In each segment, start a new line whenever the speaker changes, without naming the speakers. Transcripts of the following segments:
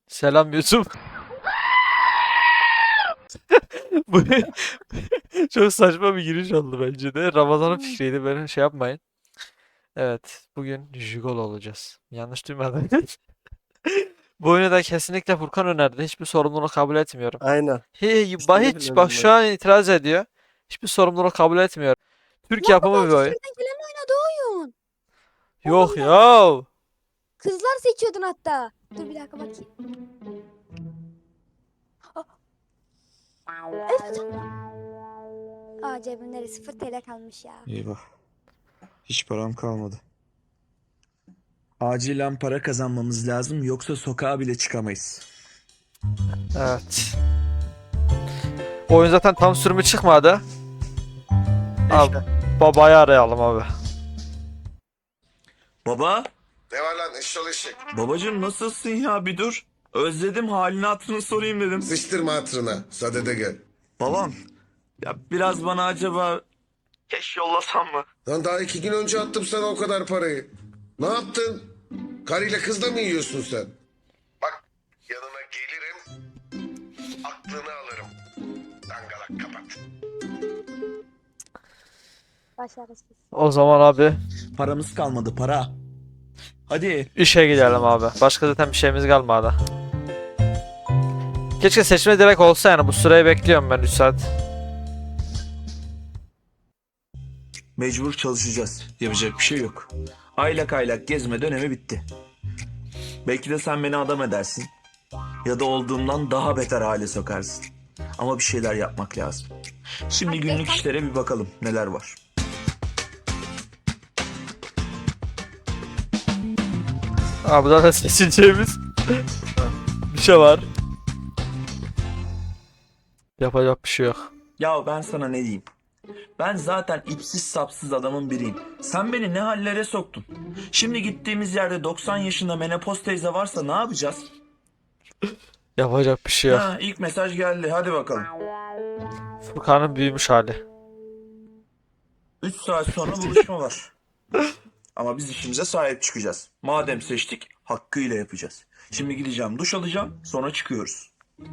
Selam YouTube. Bu çok saçma bir giriş oldu bence de. Ramazan'ın fikriydi. Böyle şey yapmayın. Evet. Bugün Jigolo olacağız. Yanlış duymadım. Bu oyunu da kesinlikle Furkan önerdi. Hiçbir sorumluluğu kabul etmiyorum.
Aynen.
Hiç bak şu an itiraz ediyor. Hiçbir sorumluluk kabul etmiyorum. Türk yapımı bir oyun.
Kertenkelenin oynadığı oyun.
Yok
Oğlum
ya.
kızlar seçiyordun hatta. Dur bir dakika bakayım. Evet. Aa cebimde 0 TL kalmış ya.
Eyvah. Hiç param kalmadı. Acilen para kazanmamız lazım yoksa sokağa bile çıkamayız.
Evet. Oyun zaten tam sürümü çıkmadı. Abi, babayı arayalım abi.
Baba,
Ne var lan eşşol eşek?
babacığım nasılsın ya bir dur. Özledim halini hatırını sorayım dedim.
Sıçtırma hatırına. Sadede gel.
Babam, ya biraz bana acaba keş yollasam mı?
Lan daha 2 gün önce attım sana o kadar parayı. Ne yaptın? Karıyla kızla mı yiyorsun sen? Bak yanına gelirim. Aklını alırım. Dangalak kapat.
Başarısız.
O zaman abi
Paramız kalmadı para. Hadi.
işe gidelim abi. Başka zaten bir şeyimiz kalmadı. Keşke seçme direkt olsa yani. Bu süreyi bekliyorum ben 3 saat.
Mecbur çalışacağız. Yapacak bir şey yok. Aylak aylak gezme dönemi bitti. Belki de sen beni adam edersin. Ya da olduğumdan daha beter hale sokarsın. Ama bir şeyler yapmak lazım. Şimdi günlük işlere bir bakalım neler var.
Abi zaten seçeceğimiz bir şey var. Yapacak bir şey yok.
Ya ben sana ne diyeyim? Ben zaten ipsiz sapsız adamın biriyim. Sen beni ne hallere soktun? Şimdi gittiğimiz yerde 90 yaşında menopoz teyze varsa ne yapacağız?
Yapacak bir şey yok.
Ha, ilk mesaj geldi. Hadi bakalım.
Furkan'ın büyümüş hali.
3 saat sonra buluşma var. Ama biz işimize sahip çıkacağız. Madem seçtik, hakkıyla yapacağız. Şimdi gideceğim, duş alacağım, sonra çıkıyoruz.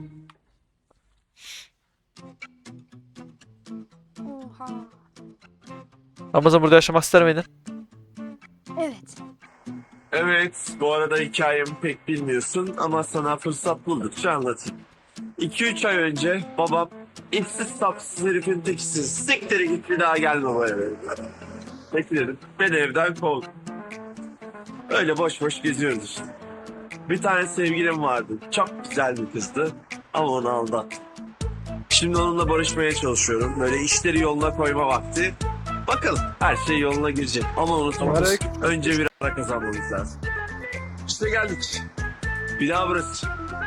Oha.
Ramazan burada yaşamak ister miydin?
Evet.
Evet, bu arada hikayemi pek bilmiyorsun ama sana fırsat buldukça anlatayım. 2-3 ay önce babam ipsiz sapsız herifin tekisin. Siktir git bir daha gelme bu eve. Bekledim. Beni evden kovdu. Öyle boş boş geziyoruz işte. Bir tane sevgilim vardı. Çok güzel bir kızdı ama onu aldattım. Şimdi onunla barışmaya çalışıyorum. Böyle işleri yoluna koyma vakti. Bakalım her şey yoluna girecek. Ama unutma. Önce bir para kazanmamız lazım. İşte geldik. Bir daha burası.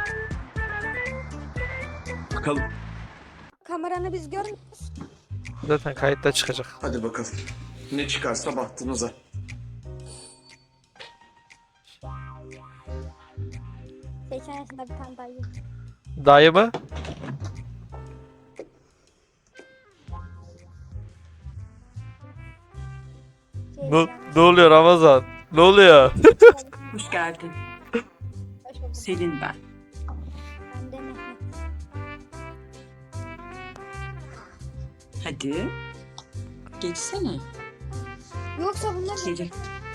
Bakalım.
Kameranı biz görmüyoruz.
Zaten kayıtta çıkacak.
Hadi bakalım. Ne çıkarsa bahtınıza.
80 yaşında bir tane dayı.
Dayı mı? Ne oluyor Ramazan? Ne oluyor?
Hoş geldin.
Hoş bulduk.
Selin ben.
Ben de Mehmet.
Hadi. Geçsene.
Yoksa bunlar
Geri.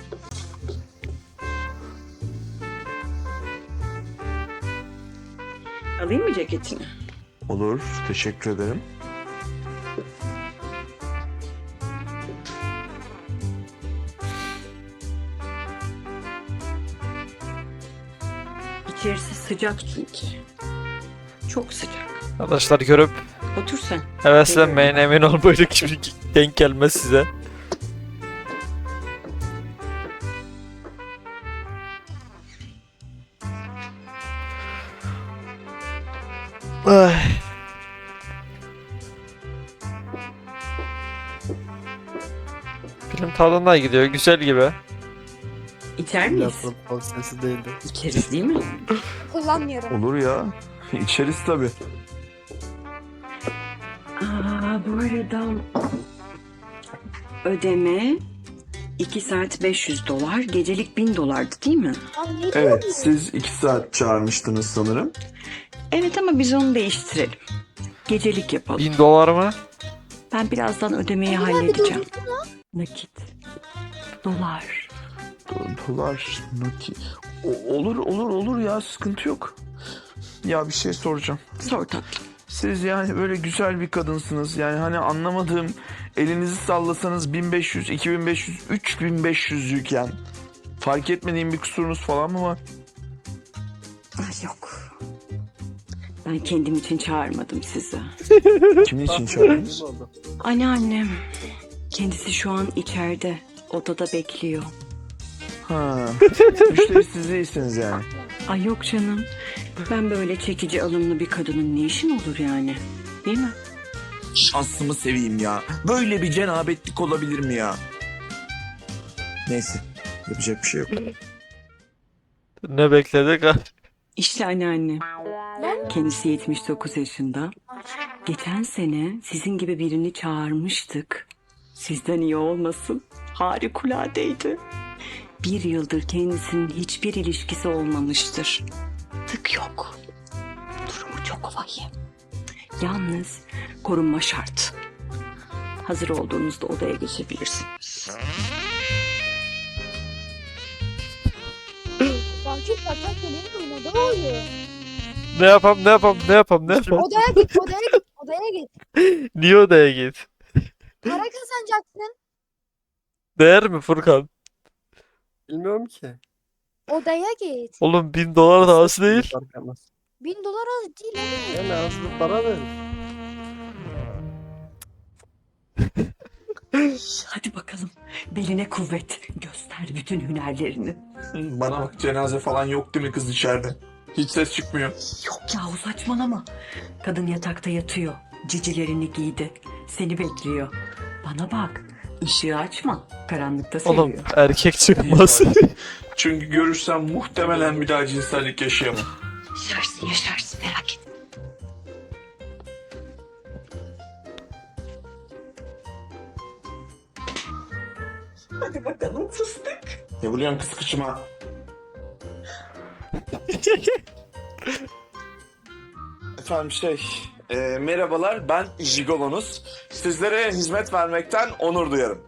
Alayım mı ceketini?
Olur, teşekkür ederim.
İçerisi sıcak çünkü. Çok sıcak.
Arkadaşlar görüp
Otur sen.
heveslenmeyin, emin ol böyle gibi denk gelmez size. Ay. Film tadında gidiyor, güzel gibi.
İçer miyiz?
Sesi değildi.
İçeriz değil mi?
kullanmıyorum.
Olur ya. İçeriz tabii.
Aa, bu arada ödeme 2 saat $500, gecelik $1000'dı değil mi?
Abi ne
Evet,
diyorsun?
siz 2 saat çağırmıştınız sanırım.
Evet ama biz onu değiştirelim. Gecelik yapalım.
1000 dolar mı?
Ben birazdan ödemeyi
Abi
halledeceğim.
durdursun lan.
Nakit. Dolar.
Dolar, nakit. Olur ya, sıkıntı yok. Ya bir şey soracağım.
Sor tatlım.
Siz yani böyle güzel bir kadınsınız. Yani hani anlamadığım, elinizi sallasanız 1500, 2500, 3500'lükken fark etmediğim bir kusurunuz falan mı var?
Ay yok. Ben kendim için çağırmadım sizi.
Kimin için çağırdınız?
Anneannem. Kendisi şu an içeride. Odada bekliyor.
Ha, müşteri siz değilsiniz yani.
Ay yok canım. Ben böyle çekici alımlı bir kadının ne işin olur yani? Değil mi?
Şansımı seveyim ya. Böyle bir cenabetlik olabilir mi ya? Neyse, yapacak bir şey yok.
Ne bekledik?
İşte anneannem.
Lan
Kendisi 79 yaşında. Geçen sene sizin gibi birini çağırmıştık. Sizden iyi olmasın. Harikuladeydi. 1 yıldır kendisinin hiçbir ilişkisi olmamıştır. Tık yok. Durumu çok vahim. Yalnız korunma şart. Hazır olduğunuzda odaya geçebilirsiniz.
Sanki patlak geliyor oynadı oluyor.
Ne yapam?
Odaya git, odaya git, odaya git.
Niye odaya git?
Para kazanacaksın.
Değer mi Furkan?
Bilmiyorum ki.
Odaya git.
Oğlum 1000 dolar da az değil.
Fark etmez.
$1000 az değil oğlum.
Yani az bir para ver.
Hadi bakalım. Beline kuvvet. Göster bütün hünerlerini.
Bana bak, cenaze falan yok değil mi kız içeride? Hiç ses çıkmıyor.
Yok yahu saçmalama. Kadın yatakta yatıyor. Cicilerini giydi. Seni bekliyor. Bana bak. Işığı açma. Karanlıkta seviyor.
Oğlum erkek çıkmaz.
Çünkü görürsem muhtemelen bir daha cinsellik yaşayamam.
Yaşarsın merak etme. Hadi bakalım fıstık.
Ne vuruyorsun kız kıçıma? Efendim merhabalar, ben Jigolonuz. Sizlere hizmet vermekten onur duyarım.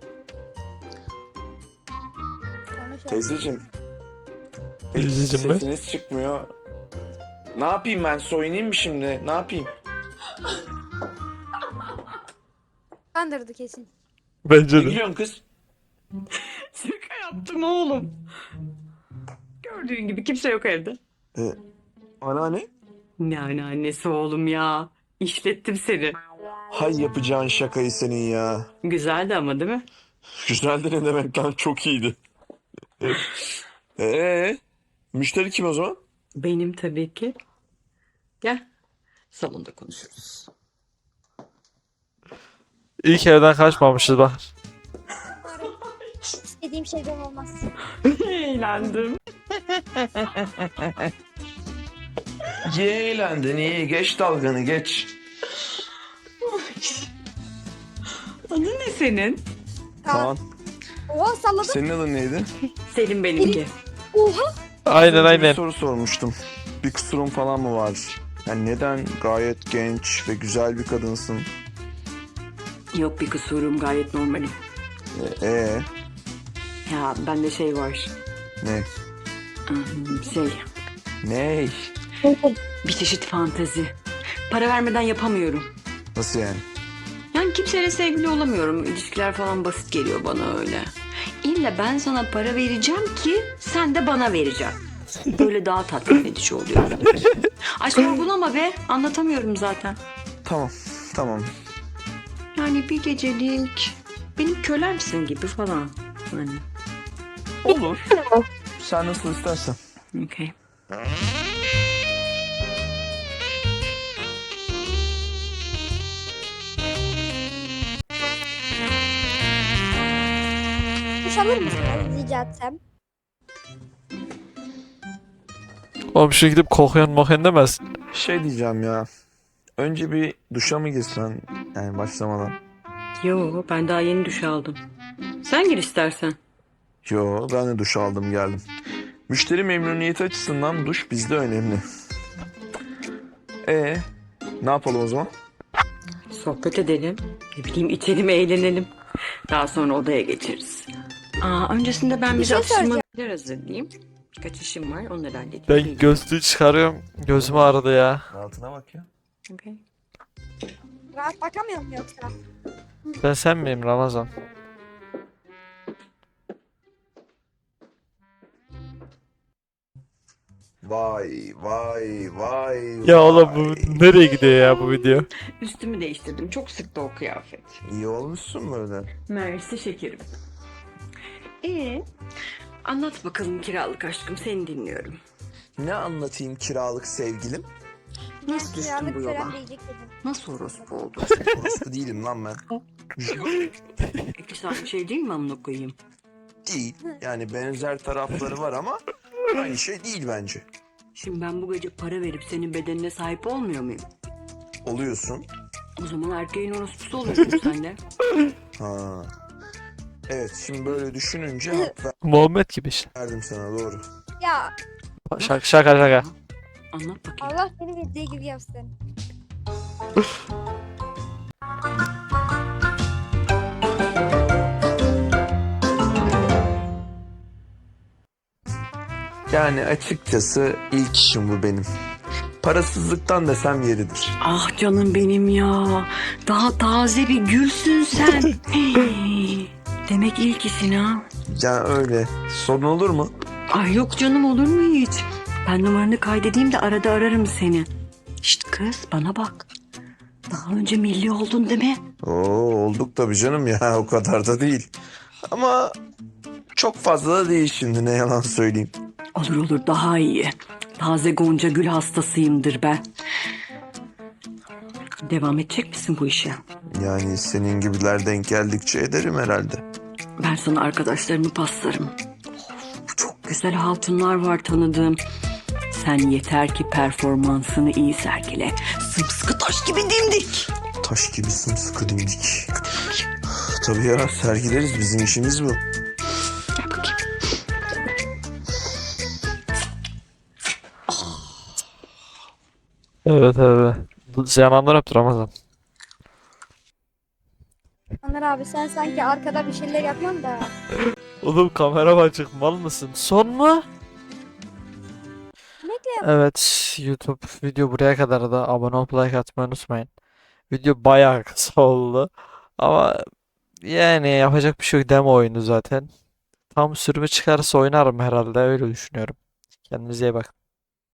Konuş ya.
Teyzeciğim.
Teyzeciğim mi?
Sesiniz çıkmıyor. Ne yapayım ben, soyunayım mı şimdi? Ne yapayım?
Kandırdı kesin.
Bence
Ne
de.
gülüyorsun kız?
Şaka yaptım oğlum. Gördüğün gibi kimse yok evde.
Anneanne?
Ne anneannesi oğlum ya. İşlettim seni.
Hay yapacağın şakayı senin ya.
Güzeldi ama değil mi?
Güzeldi ne demek lan, çok iyiydi. Müşteri kim o zaman?
Benim tabii ki. Gel. Salonda konuşuruz.
İlk evden kaçmamışız bak.
İstediğim şeyden olmaz.
Eğlendim.
İyi eğlendin, iyi. Geç dalganı, geç.
Adın ne senin?
Kaan,
Oha salladım.
senin adın neydi?
Selim benimki.
Oha.
Aynen
Bir
aynen.
soru sormuştum. Bir kusurun falan mı var? Yani neden gayet genç ve güzel bir kadınsın?
Yok bir kusurum gayet normalim.
Ee,
Ya bende şey var.
ne?
Şey
Ne?
bir çeşit fantezi. Para vermeden yapamıyorum.
Nasıl yani?
Yani kimseyle sevgili olamıyorum. İlişkiler falan basit geliyor bana öyle. İlle ben sana para vereceğim ki sen de bana vereceksin. Böyle daha tatmin edici oluyor. Ay sorgulama be. Anlatamıyorum zaten.
Tamam.
Yani bir gecelik benim kölemsin gibi falan. Hani.
Olur. Sen nasıl istersen.
Okey.
Duş alır mısın rica etsem?
Oğlum şu gidip kokuyan mokuyan demez.
Şey diyeceğim ya. Önce bir duşa mı girsen? Yani başlamadan.
Yo ben daha yeni duş aldım. Sen gir istersen.
Yo, ben de duş aldım geldim. Müşteri memnuniyeti açısından duş bizde önemli. Ne yapalım o zaman?
Sohbet edelim. Ne bileyim içelim, eğlenelim. Daha sonra odaya geçeriz. Öncesinde ben bir
şey
atıştırmalar hazırlayayım. Birkaç işim var, onları halledeyim.
Ben gözlüğü çıkarıyorum. Gözüm ağrıdı ya.
Altına bak ya.
Okay.
Rahat bakamıyorum yoksa.
Ben sen miyim Ramazan?
Vay vay vay.
Ya oğlum bu
vay.
nereye gidiyor ya bu video?
Üstümü değiştirdim. Çok sıktı o kıyafet.
İyi olmuşsun böyle.
Mersi şekerim. Anlat bakalım kiralık aşkım, seni dinliyorum.
Ne anlatayım kiralık sevgilim?
Nasıl düştün
Kiralık
bu yola?
falan diyecek dedim.
Nasıl orospu oldun?
Orası değilim lan ben.
Peki sen bir şey değil mi amına koyayım?
Değil. Yani benzer tarafları var ama aynı şey değil bence.
Şimdi ben bu gece para verip senin bedenine sahip olmuyor muyum?
Oluyorsun.
O zaman erkeğin orospusu oluyorsun sen de.
Ha. Evet, şimdi böyle düşününce hak
Muhammed gibi işte.
verdim sana, doğru.
Ya
Şaka şaka şaka.
Anlat bakayım.
Allah seni bildiği gibi yapsın.
Yani açıkçası ilk işim bu benim. Parasızlıktan desem yeridir.
Ah canım benim ya. Daha taze bir gülsün sen. Demek ilk işin ha.
Ya öyle. Sorun olur mu?
Ay yok canım, olur mu hiç? Ben numaranı kaydedeyim de arada ararım seni. Şşt kız, bana bak. Daha önce milli oldun değil mi?
Oo, olduk tabii canım ya, o kadar da değil. Ama çok fazla da değil şimdi, ne yalan söyleyeyim.
Olur olur, daha iyi. Taze Gonca Gül hastasıyımdır ben. Devam edecek misin bu işe?
Yani senin gibiler denk geldikçe ederim herhalde.
Ben sana arkadaşlarımı paslarım. Çok güzel hatunlar var tanıdığım. Sen yeter ki performansını iyi sergile. Sımsıkı taş gibi dimdik.
Taş gibi sımsıkı dimdik. Tabii ya, sergileriz, bizim işimiz bu.
Gel bakayım.
Evet evet. Yananlar öptü Ramazan.
Ömer abi sen sanki arkada bir şeyler yapman da.
Oğlum kamera açık, mal mısın? Son mu?
Bekle.
Evet, YouTube video buraya kadar da abone olup like atmayı unutmayın. Video bayağı kısa oldu. Ama yani yapacak bir şey yok, demo oyunu zaten. Tam sürümü çıkarsa oynarım herhalde, öyle düşünüyorum. Kendinize iyi bakın.